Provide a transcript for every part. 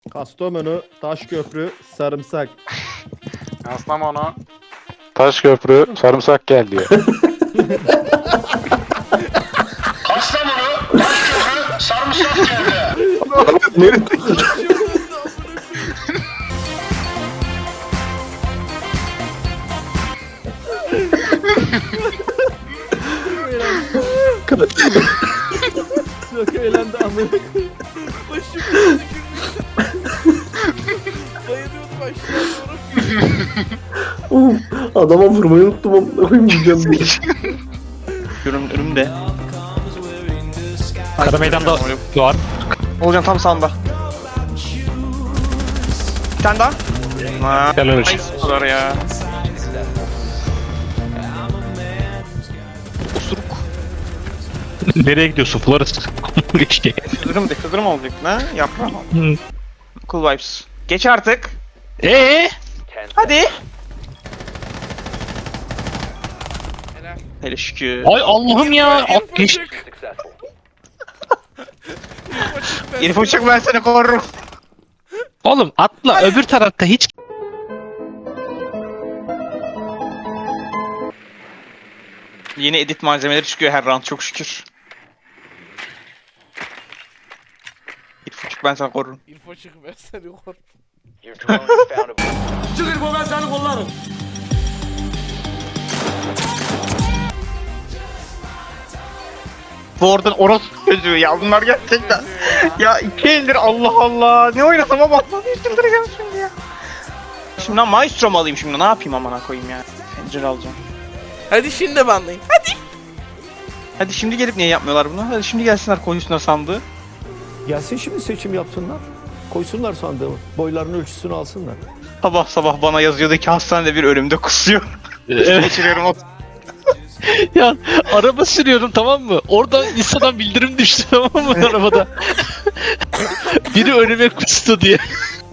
Kastamonu, Taşköprü, Sarımsak. Kastamonu. Taşköprü, sarımsak geldi ya. Kastamonu, Taşköprü, sarımsak geldi. Nerede? Çok eğlendi amına. Başım gözükürdü. Dayanıyordum aşağı doğru. Adama vurmayı unuttum amına koyayım diyeceğim diye. Önümde. Kara meydanda var. Olcan tam sağında. Bir tane daha. Ha. Helal olsun. Ay, bu kadar ya. Nereye gidiyorsun Flores? İşte. Kızdırım olacak ne? Yaprağım. Cool vibes. Geç artık. Hadi. Helal. Hele şükür. Ay Allah'ım ya. At geç. Elif uçak ben seni korurum. Oğlum atla öbür tarafta hiç. Yeni edit malzemeleri çıkıyor her round çok şükür. Elif uçak ben seni korurum. İrfan çık ben seni korurum. Your drone has found a Bu oradan orospu çocuğu ya bunlar gerçekten. Ya 2 eldir Allah Allah. Ne oynasam ama çıldıracağım şimdi ya. Şimdi lan Maestro mu alayım şimdi ne yapayım amına koyayım ya. Pencere alacağım. Hadi şimdi banlayın. Hadi şimdi gelip niye yapmıyorlar bunu? Hadi şimdi gelsinler koysunlar sandığı. Gelsin şimdi seçim yapsınlar. Koysunlar sandığı. Boylarının ölçüsünü alsınlar. Sabah sabah bana yazıyordu ki hastanede bir ölümde kusuyor. Evet. Geçiriyorum o. Ya araba sürüyorum tamam mı? Orada Insta'dan bildirim düştü tamam mı arabada? Biri önüme kustu diye.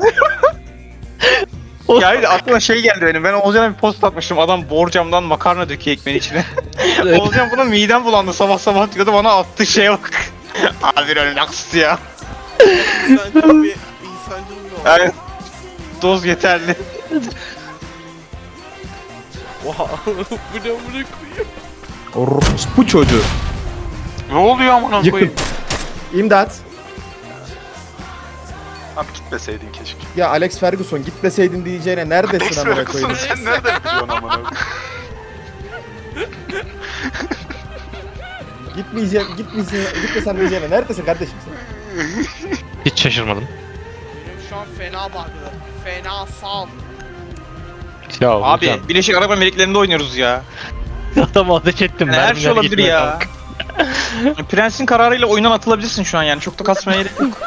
Ya bir de aklıma şey geldi benim. Ben Olcan'a bir post atmıştım. Adam borcamdan makarna döküyor ekmeğin içine. Evet. Olcan buna midem bulandı sabah sabah diyordu. Bana attığı şeye bak. Abi bir ölümde kustu ya. İnsancıl bir insancıl bir oldu. Yani doz yeterli. Oha. Bu ne amına koyayım. Bu çocuğu. Ne oluyor amına Yıkın. koyayım? İmdat. Abi gitmeseydin keşke. Ya Alex Ferguson gitmeseydin diyeceğine neredesin amına Ferguson koyayım? sen nereden biliyorsun amına koyayım? Gitmesen diyeceğine neredesin kardeşim sen? Hiç şaşırmadım. Benim şu an fena bağlı. Fena sal. Ya Abi hocam, Birleşik Arap Emirlikleri'nde oynuyoruz ya. adam ateş ettim. Yani her şey mermiler olabilir gitmiyor ya. kanka. Prens'in kararıyla oyundan atılabilirsin şu an yani. Çok da kasmaya gerek yok.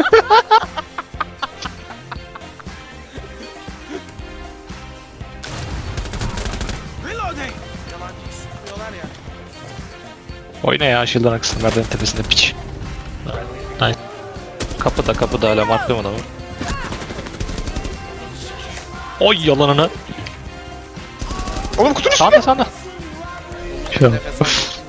Yalancıyı sıkıyorlar ya. Oyna ya Shield'ın aksın merdiven tepesinde piç. Nice. Kapıda hala marklıyorum adamı. Oy yalanını. Oğlum kutunun Sağda sağda. Şu. Nefes al.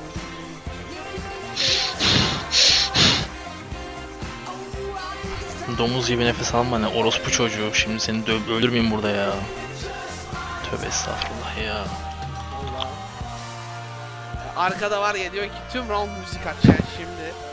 Domuz gibi nefes alma ne orospu çocuğu. Şimdi seni öldürmeyeyim burada ya. Tövbe estağfurullah ya. Arkada var ya diyor ki tüm round müzik açacaksın şimdi.